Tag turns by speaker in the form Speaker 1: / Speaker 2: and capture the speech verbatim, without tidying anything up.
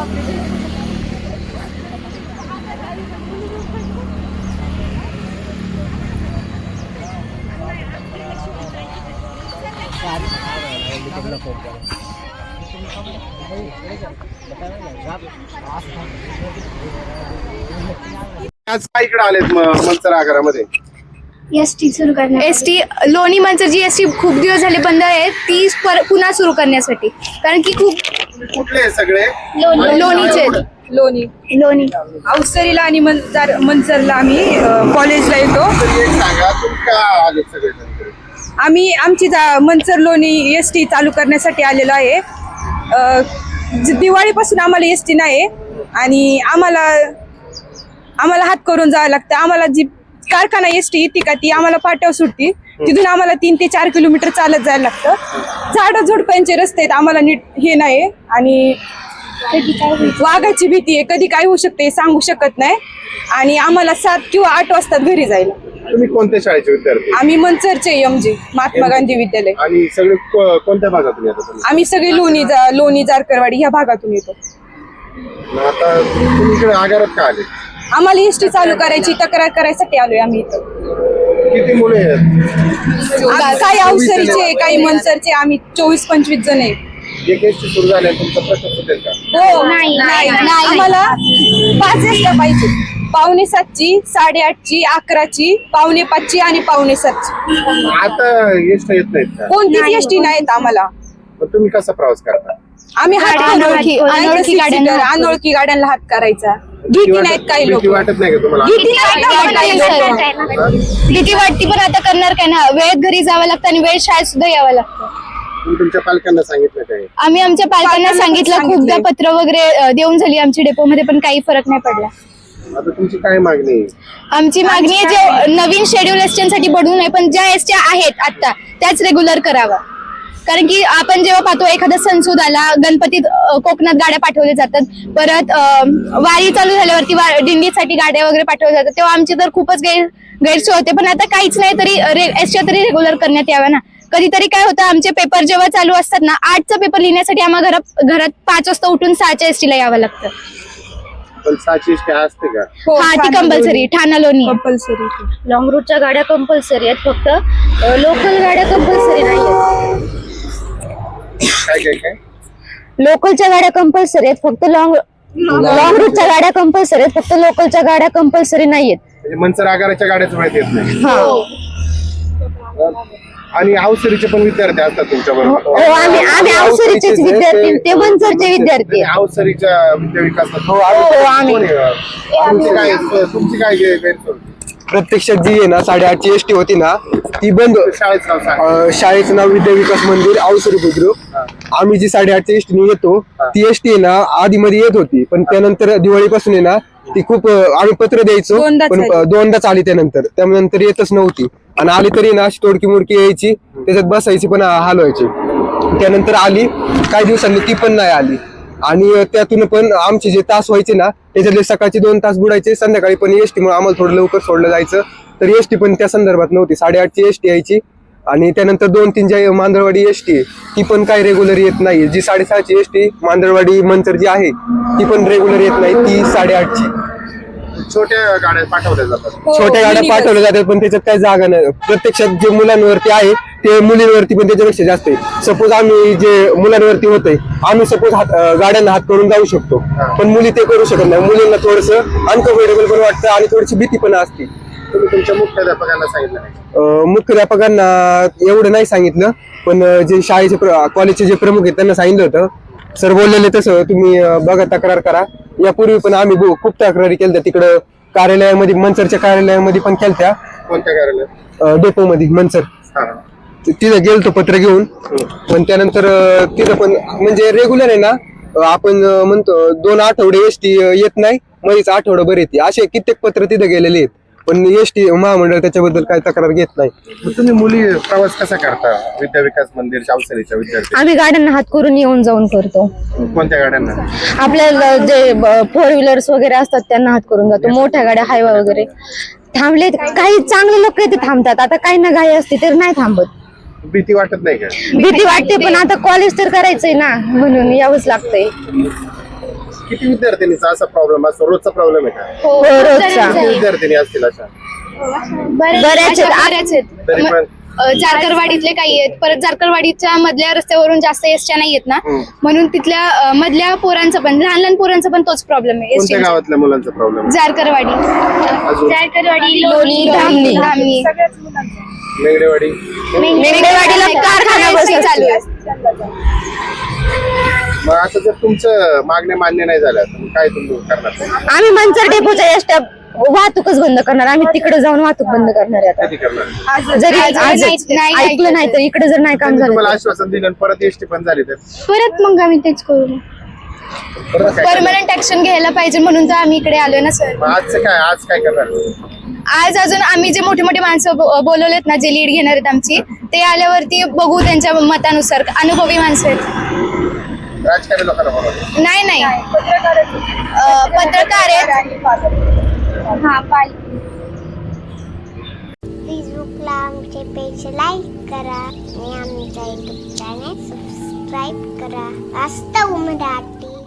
Speaker 1: आज काय इकडे आलेत मंचर आगारामध्ये?
Speaker 2: एसटी सुरू करण्या एसटी लोणी मंचर जी एसटी खूप दिवस झाले बंद आहे ती पुन्हा सुरू करण्यासाठी, कारण की खूप
Speaker 1: कुठले सगळे
Speaker 2: लोणीचे
Speaker 3: लोणी
Speaker 2: लोणी
Speaker 3: अवसरीला आणि मंचर मंचरला आम्ही कॉलेजला येतो.
Speaker 1: सांगा तुम्ही का आलेत सगळे?
Speaker 3: आम्ही आमची मंचर लोणी एस टी चालू करण्यासाठी आलेलो आहे. दिवाळीपासून आम्हाला एस टी नाही आणि आम्हाला आम्हाला हात करून जावं लागतं. आम्हाला जी कारखाना एस टी येते का ती आम्हाला पाट्यावर सुटती, तिथून आम्हाला तीन ते चार किलोमीटर चालत जायला लागतं. झाडं झुडपांचे रस्ते आहेत, आम्हाला नीट हे नाही आणि वाघाची भीती आहे, कधी काय होऊ शकते सांगू शकत नाही. आणि आम्हाला सात किंवा आठ वाजता घरी जायला.
Speaker 1: तुम्ही कोणत्या शाळेचे विद्यार्थी?
Speaker 3: आम्ही मंचरचे एम जी महात्मा गांधी विद्यालय.
Speaker 1: आणि सगळे कोणत्या भागातून येतात?
Speaker 3: आम्ही सगळे लोणी लोणी जारकरवाडी ह्या भागातून येतो.
Speaker 1: आता तुम्ही इकडे आगारात का आले?
Speaker 3: आम्हाला एस टी चालू करायची तक्रार करायसाठी आलोय आम्ही इथं.
Speaker 1: किती मुले आहेत?
Speaker 3: काही अवसरीचे काही मनसरचे आम्ही चोवीस पंचवीस जण आहे.
Speaker 1: एक एस टी सुरू झाले तुमचा प्रश्न सुटेल का?
Speaker 3: हो नाही आम्हाला पाच एसट्या पाहिजे. पावणे सातची, साडेआठची, अकराची, पावणे पाचची आणि पावणे सातची.
Speaker 1: आता एसटी येत नाहीत का?
Speaker 3: कोणतीच एसटी नाहीत आम्हाला.
Speaker 1: मग तुम्ही कसा प्रवास करता?
Speaker 3: आम्ही हात
Speaker 2: अनोळखी अनोळखी गाड्यांना
Speaker 3: अनोळखी गाड्यांना हात करायचा. भीती नाहीत काही लोक.
Speaker 1: भीती वाटत नाही का तुम्हाला?
Speaker 3: भीती नाही.
Speaker 2: भीती वाटती, पण आता करणार काय ना, वेळेत घरी जावं लागतं आणि वेळ शाळेत सुद्धा यावं लागतं.
Speaker 1: तुम्ही तुमच्या पालकांना सांगितलं काय?
Speaker 2: आम्ही आमच्या पालकांना सांगितलं, खूपदा पत्र वगैरे देऊन झाली आमची डेपोमध्ये, पण काही फरक नाही पडला.
Speaker 1: आता तुमची काय मागणी आहे?
Speaker 2: आमची मागणी आहे जे नवीन शेड्यूल एसट्यांसाठी बडवू नये, पण ज्या एसट्या आहेत आता त्याच रेग्युलर करावा. कारण की आपण जेव्हा पाहतो एखादा सणसूद आला, गणपतीत कोकणात गाड्या पाठवल्या जातात, परत वारी चालू झाल्यावरती दिंडीसाठी गाड्या वगैरे पाठवल्या जातात, तेव्हा आमची तर खूपच गैर गैरसोय होते. पण आता काहीच नाही, तरी एसट्या तरी रेग्युलर करण्यात याव्या ना. कधीतरी काय होतं, आमचे पेपर जेव्हा चालू असतात ना, आठचा पेपर लिहिण्यासाठी आम्हाला घरात घरात पाच वाजता उठून सहाच्या एसटीला यावं लागतं.
Speaker 1: पण सहाची एसटी असते का?
Speaker 2: हा, ती कंपल्सरी. ठाणा लोणी
Speaker 3: कंपल्सरी.
Speaker 4: लॉंग रूटच्या गाड्या कंपल्सरी आहेत, फक्त लोकल गाड्या कंपल्सरी नाही आहेत.
Speaker 1: काय काय काय
Speaker 4: लोकलच्या गाड्या कंपल्सरी आहेत, फक्त लॉंग लॉंग रूटच्या गाड्या कंपल्सरी आहेत, फक्त लोकलच्या गाड्या कंपल्सरी नाहीयेत.
Speaker 1: म्हणजे मंचर आगाराच्या गाड्याच वेळेत येत नाही.
Speaker 4: हो
Speaker 1: आणि अवसरीचे पण विद्यार्थी असतात तुमच्या
Speaker 4: हो,
Speaker 1: बरोबर?
Speaker 4: आम्ही आम्ही अवसरीचेच विद्यार्थी, ते मंचरचे विद्यार्थी.
Speaker 1: अवसरीच्या विद्या विकासात
Speaker 4: हो आम्ही
Speaker 1: तुमची काय तुमची काय गैरसोय?
Speaker 5: प्रत्यक्षात जी आहे ना साडेआठची एसटी होती ना, ती बंद.
Speaker 1: शाळेचं नाव सांगा.
Speaker 5: अं, शाळेचं नाव विद्या विकास मंदिर अवसरी बुद्रुक. आम्ही जी साडेआठची एसटी येतो ती एसटी आहे ना आधी मध्ये येत होती, पण त्यानंतर दिवाळीपासून आहे ना ती खूप अं, आम्ही पत्र द्यायचो,
Speaker 3: दोनदाच
Speaker 5: पण
Speaker 3: आली.
Speaker 5: दोनदाच आली त्यानंतर. त्यानंतर येतच नव्हती, आणि आली तरी ना अशी तोडकी मुडकी यायची, त्याच्यात बसायची पण हाल व्हायची. त्यानंतर आली काही दिवसांनी, ती पण नाही आली. आणि त्यातून पण आमचे जे तास व्हायचे ना, त्याच्यातले सकाळचे दोन तास बुडायचे, संध्याकाळी पण एसटी मुळे आम्हाला थोडं लवकर सोडलं जायचं, तर एसटी पण त्या संदर्भात नव्हती. साडेआठची एसटी यायची, आणि त्यानंतर दोन तीन ज्या मांदळवाडी एसटी आहे ती पण काही रेग्युलर येत नाही. जी साडेसहाची एसटी मांदळवाडी मंचर जी आहे ती पण रेग्युलर येत नाही, ती साडेआठची.
Speaker 1: छोट्या गाड्या पाठवल्या जातात.
Speaker 5: छोट्या गाड्या पाठवल्या जातात, पण त्याच्यात काही जागा नाही. प्रत्यक्षात जे मुलांवरती आहे ते मुलींवरती पण त्याच्यापेक्षा जास्त आहे. सपोज आम्ही जे मुलांवरती होतंय, आम्ही सपोज हात गाड्यांना हात करून जाऊ शकतो, पण मुली ते करू शकत नाही. मुलींना थोडस अनकम्फर्टेबल पण वाटतं आणि थोडीशी भीती पण असते.
Speaker 1: तुम्ही तुमच्या मुख्याध्यापकांना सांगितलं नाही?
Speaker 5: मुख्याध्यापकांना एवढं नाही सांगितलं, पण जे शाळेचे कॉलेजचे जे प्रमुख आहेत त्यांना सांगितलं होतं. सर बोललेले तसं तुम्ही बघा, तक्रार करा. यापूर्वी पण आम्ही खूप तक्रारी केल्या तिकडं कार्यालयामध्ये, मंचरच्या कार्यालयामध्ये पण केलत्या.
Speaker 1: कोणत्या कार्यालय?
Speaker 5: डेपो मध्ये मंचर. तिथं गेलतो पत्र घेऊन, पण त्यानंतर तिथं पण म्हणजे रेग्युलर आहे ना, आपण म्हणतो दोन आठवडे एसटी येत नाही, मध्येच आठवडाभर येते, असे कित्येक पत्र तिथं गेलेले आहेत, पण एसटी महामंडळ त्याच्याबद्दल काही तक्रार घेत नाही.
Speaker 1: तुम्ही मुली प्रवास कसा करता विद्या विकास मंदिर अवसरीच्या विद्यार्थी?
Speaker 4: आम्ही गाड्यांना हात करून येऊन जाऊन करतो.
Speaker 1: कोणत्या गाड्यांना?
Speaker 4: आपल्याला जे फोर व्हीलर्स वगैरे असतात त्यांना हात करून जातो. मोठ्या गाड्या हायवे वगैरे थांबले, काही चांगले लोक इथे थांबतात, आता काही ना घाई असते तर नाही थांबत.
Speaker 1: भीती वाटत नाही का?
Speaker 4: भीती वाटते, पण आता कॉलेज तर करायचंय ना, म्हणून यावंच लागतंय.
Speaker 1: किती विद्यार्थिनीचा असा प्रॉब्लेम असतो? रोजचा प्रॉब्लेम आहे का?
Speaker 2: हो
Speaker 4: हो,
Speaker 2: खूप
Speaker 4: रोजचा.
Speaker 2: जणांचा
Speaker 1: किती
Speaker 2: आहे.
Speaker 1: विद्यार्थिनी असतील अशा?
Speaker 2: बऱ्याच
Speaker 4: बऱ्याच आहेत.
Speaker 2: बऱ्याच आहेत.
Speaker 1: तरी
Speaker 2: म-
Speaker 1: पण
Speaker 2: अ, जारकरवाडीतले काही आहेत, परत जारकरवाडीच्या मधल्या रस्त्यावरून जास्त एसट्या नाही येत ना,
Speaker 1: हम्म.
Speaker 2: म्हणून तिथल्या अ, मधल्या पोरांचा पण लहान लहान पोरांचा पण तोच प्रॉब्लेम आहे
Speaker 1: कोणत्या
Speaker 2: एसटी.
Speaker 1: गावातल्या मुलांचा प्रॉब्लेम?
Speaker 2: जारकरवाडी
Speaker 1: अजून
Speaker 2: जारकरवाडी
Speaker 4: लोणी, धामणी.
Speaker 2: धामणी
Speaker 3: सगळ्याच मुलांचं
Speaker 1: मेंगडेवाडी.
Speaker 4: मेंढेवाडीला कारखाना बसला
Speaker 2: चालू आहे.
Speaker 1: मग आता जर तुमचं मागण्या मान्य नाही झाल्या तर मग काय तुम्ही करणार?
Speaker 4: आम्ही मंचर डेपोच्या एसट्या वाहतूकच बंद करणार. आम्ही तिकडे जाऊन वाहतूक बंद करणार आहे आता.
Speaker 1: कधी करणार?
Speaker 4: जरी
Speaker 2: आज-
Speaker 4: आज
Speaker 2: नाही- नाही
Speaker 4: ऐकलं नाही तर इकडे जर नाही काम
Speaker 1: त्यांनी
Speaker 4: झालं
Speaker 1: तुम्हाला
Speaker 4: तर.
Speaker 1: आश्वासन दिलं आणि परत एसटी पण झाली तर
Speaker 2: परत मग आम्ही तेच करू.
Speaker 1: परत काय करणार?
Speaker 2: परमनंट ऍक्शन घ्यायला पाहिजे म्हणून तर आम्ही इकडे आलोय ना सर.
Speaker 1: मग आजचं काय आज काय करणार?
Speaker 2: आज अजून आम्ही जे मोठे मोठे माणसं ब- बोलवलेत ना, जे लीड घेणार आहेत आमची, ते आल्यावरती बघू त्यांच्या मतानुसार. अनुभवी माणसं आहेत.
Speaker 1: राजकारणी लोकांना बोलवलं.
Speaker 2: नाही नाही अ, पत्रकार आहेत. हा पाल
Speaker 6: फेसबुकला आमचे पेज लाईक करा आणि आमच्या युट्यूब चॅनेल सबस्क्राईब करा. वास्तव मराठी.